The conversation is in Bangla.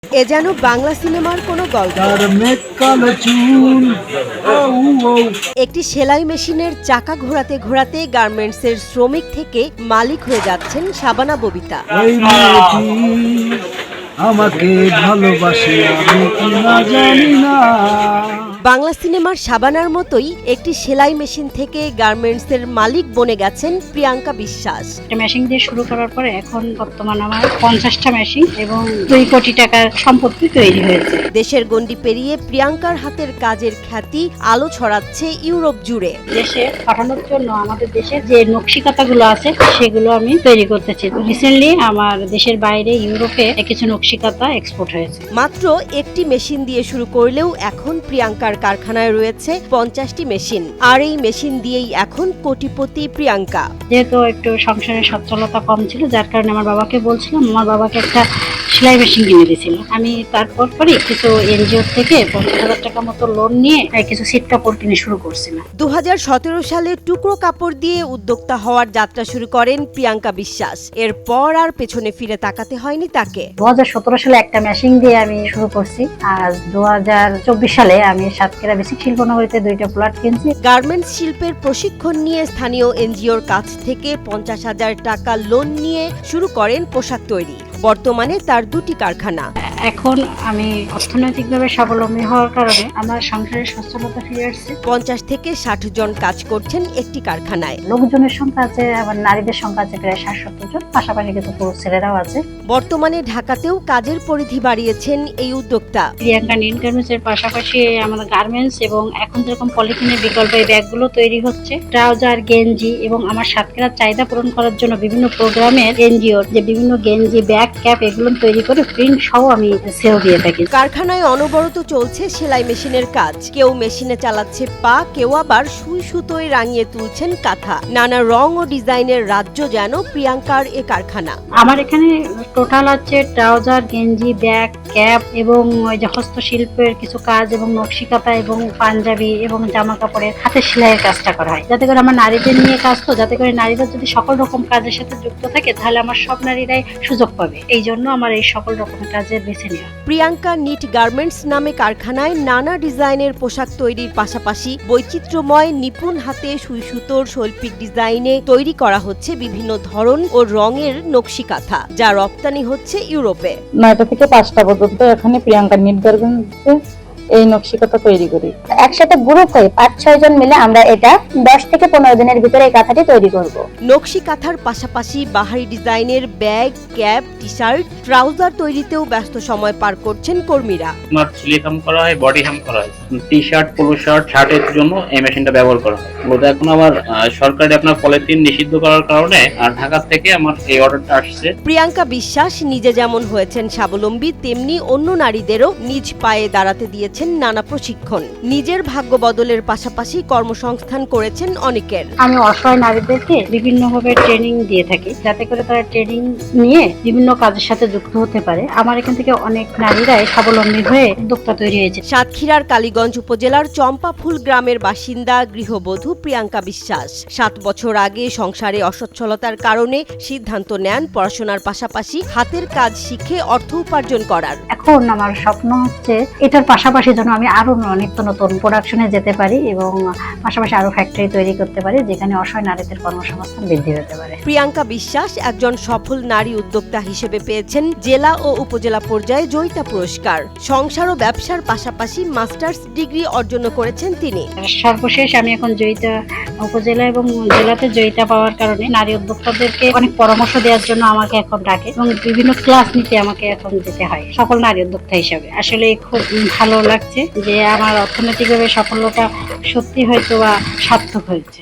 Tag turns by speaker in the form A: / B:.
A: এ যেন বাংলা সিনেমার কোনো গল্প। একটি সেলাই মেশিনের চাকা ঘোরাতে ঘোরাতে গার্মেন্টসের শ্রমিক থেকে মালিক হয়ে যাচ্ছেন শাবানা ববিতা।
B: আমাকে ভালোবাসে আমি কি না জানি না।
A: বাংলা সিনেমার শাবানার মতোই একটি সেলাই মেশিন থেকে গার্মেন্টসের মালিক বনে গেছেন প্রিয়াঙ্কা বিশ্বাস।
C: মেশিন দিয়ে শুরু করার পরে এখন বর্তমান আমার 50টা মেশিন এবং 2 কোটি টাকার সম্পত্তি তৈরি হয়েছে।
A: দেশের গণ্ডি পেরিয়ে প্রিয়াঙ্কার হাতের কাজের খ্যাতি আলো ছড়াচ্ছে ইউরোপ জুড়ে।
C: দেশে পাঠানোর জন্য আমাদের দেশের যে নকশিকাতাগুলো আছে সেগুলো আমি তৈরি করতেছি। রিসেন্টলি আমার দেশের বাইরে ইউরোপে কিছু নকশিকাতা এক্সপোর্ট হয়েছে।
A: মাত্র একটি মেশিন দিয়ে শুরু করলেও এখন প্রিয়াঙ্কার কারখানায় রয়েছে 50টি মেশিন, আর এই মেশিন দিয়েই এখন কোটিপতি প্রিয়াঙ্কা।
C: যেহেতু একটু সংসারের সচ্ছলতা কম ছিল, যার কারণে আমার বাবাকে বলছিলাম, আমার বাবাকে একটা সেলাই মেশিন কিনে দিয়েছিল। আমি তারপর পরে কিছু এনজিও থেকে 50,000 টাকা মতো লোন নিয়ে কিছু সিট কাপড় কিনে শুরু করছিলাম।
A: 2017 সালে টুকরো কাপড় দিয়ে উদ্যোক্তা হওয়ার যাত্রা শুরু করেন প্রিয়াঙ্কা বিশ্বাস। এরপর আর পেছনে ফিরে তাকাতে হয়নি তাকে।
C: 2017 সালে একটা মেশিন দিয়ে আমি শুরু করছি, আর 2024 সালে আমি সাতক্ষীরা বেসিক শিল্পনগরীতে 2টা প্লট কিনছি।
A: গার্মেন্টস শিল্পের প্রশিক্ষণ নিয়ে স্থানীয় এনজিওর কাছ থেকে 50,000 টাকা লোন নিয়ে শুরু করেন পোশাক তৈরি। বর্তমানে তার 2টি কারখানা।
C: এখন আমি অর্থনৈতিকভাবে স্বাবলম্বী হওয়ার কারণে আমার সংসারের সচ্ছলতা ফিরে আসছে।
A: 50 থেকে 60 জন কাজ করছেন একটি কারখানায়।
C: লোকজনের সংখ্যা আছে, আবার নারীদের সংখ্যা আছে প্রায় 60-70 জন, পাশাপাশি কিছু পুরুষ ছেলেরাও আছে।
A: বর্তমানে ঢাকাতেও কাজের পরিধি বাড়িয়েছেন এই উদ্যোক্তা।
C: প্রিয়াঙ্কা নিট গার্মেন্টস এর পাশাপাশি আমাদের গার্মেন্টস এবং এখন যেরকম পলিথিনের বিকল্প এই ব্যাগগুলো তৈরি হচ্ছে, ট্রাউজার, গেঞ্জি এবং আমার সাতক্ষীরার চাহিদা পূরণ করার জন্য বিভিন্ন প্রোগ্রামের এনজিওর যে বিভিন্ন গেঞ্জি, ব্যাগ, ক্যাপ এগুলো তৈরি করে প্রিন্ট সহ আমি সেল দিয়ে থাকি।
A: কারখানায় অনবরত চলছে সেলাই মেশিনের কাজ। কেউ মেশিনে চালাচ্ছে পা, কেউ আবার সুই সুতোয় রাঙিয়ে তুলছেন কাঁথা। নানা রং ও ডিজাইনের রাজ্য যেন প্রিয়াঙ্কার এ কারখানা।
C: আমার এখানে টোটাল আছে ট্রাউজার, গেঞ্জি, ব্যাগ, ক্যাপ এবং ওই যে হস্তশিল্পের কিছু কাজ এবং নকশিকাতা এবং পাঞ্জাবি এবং জামা কাপড়ের হাতের সেলাইয়ের কাজটা করা হয়, যাতে করে আমার নারীদের নিয়ে কাজ, তো যাতে করে নারীরা যদি সকল রকম কাজের সাথে যুক্ত থাকে তাহলে আমার সব নারীরাই সুযোগ পাবে। এই জন্য আমার এই সকল রকম কাজের বেছে নেওয়া।
A: প্রিয়াঙ্কা নিট গার্মেন্টস নামে কারখানায় নানা ডিজাইনের পোশাক তৈরির পাশাপাশি বৈচিত্র্যময় নিপুণ হাতে সুই সুতোর শৈল্পিক ডিজাইনে তৈরি করা হচ্ছে বিভিন্ন ধরন ও রঙের নকশিকাঁথা, যা রপ্তানি হচ্ছে ইউরোপে।
D: 9টা থেকে 5টা পর্যন্ত এখানে প্রিয়াঙ্কা নিট গার্মেন্টসে এই নকশিকাঁথা তৈরি করি।
E: একসাথে গ্রুপ হয়ে 5-6 জন মিলে আমরা এটা 10 থেকে 15 দিনের ভিতরে এই কাঁথাটি তৈরি করব।
A: নকশি কাঁথার পাশাপাশি বাহারি ডিজাইনের bag, cap, T shirt, trouser তৈরিতেও ব্যস্ত সময় পার করছেন কর্মীরা।
F: আপনার ছিলে হাম করা হয়, বডি হাম করা হয়, টি শার্ট, পোলো শার্ট, শার্টের জন্য এই মেশিনটা ব্যবহার করা হয়। বলতে এখন আমার সরকারি আপনার পলিথিন নিষিদ্ধ করার কারণে আর ঢাকা থেকে আমার এই অর্ডারটা আসছে।
A: প্রিয়াঙ্কা বিশ্বাস নিজে যেমন হয়েছেন স্বাবলম্বী, তেমনি অন্য নারীদেরও নিজ পায়ে দাঁড়াতে দিয়েছেন নানা প্রশিক্ষণ। নিজের ভাগ্য বদলের পাশাপাশি কর্মসংস্থান করেছেন অনেকের।
C: আমি অসহায় নারীদেরকে বিভিন্নভাবে ট্রেনিং দিয়ে থাকি, যাতে করে তারা ট্রেনিং নিয়ে বিভিন্ন কাজের সাথে যুক্ত হতে পারে। আমার এখান থেকে অনেক নারীরাই স্বাবলম্বী হয়ে উদ্যোক্তা তৈরি হয়েছে।
A: সাতক্ষীরার কালীগঞ্জ উপজেলার চম্পাফুল গ্রামের বাসিন্দা গৃহবধূ প্রিয়াঙ্কা বিশ্বাস 7 বছর আগে সংসারে অসচ্ছলতার কারণে সিদ্ধান্ত নেন পড়াশোনার পাশাপাশি হাতের কাজ শিখে অর্থ উপার্জন করার।
C: এখন আমার স্বপ্ন হচ্ছে এটার পাশাপাশি যেন আমি আরো নিত্য নতুন প্রোডাকশনে যেতে পারি এবং পাশাপাশি আরো ফ্যাক্টরি তৈরি করতে পারি, যেখানে অসহায় নারীদের কর্মসংস্থান বৃদ্ধি হতে পারে।
A: প্রিয়াঙ্কা বিশ্বাস একজন সফল নারী উদ্যোক্তা হিসেবে পেয়েছেন জেলা ও উপজেলা পর্যায়ে জয়িতা পুরস্কার। সংসার ও ব্যবসার পাশাপাশি মাস্টার্স ডিগ্রি অর্জন করেছেন তিনি।
C: সর্বশেষ আমি এখন জয়িতা উপজেলা এবং জেলাতে জয়িতা পাওয়ার কারণে নারী উদ্যোক্তাদেরকে অনেক পরামর্শ দেওয়ার জন্য আমাকে এখন ডাকে এবং বিভিন্ন ক্লাস নিতে আমাকে এখন যেতে হয় সকল নারী উদ্যোক্তা হিসাবে। আসলে খুব ভালো লাগছে যে আমার অর্থনৈতিকভাবে সফলতা সত্যি হয়তো বা সার্থক হয়েছে।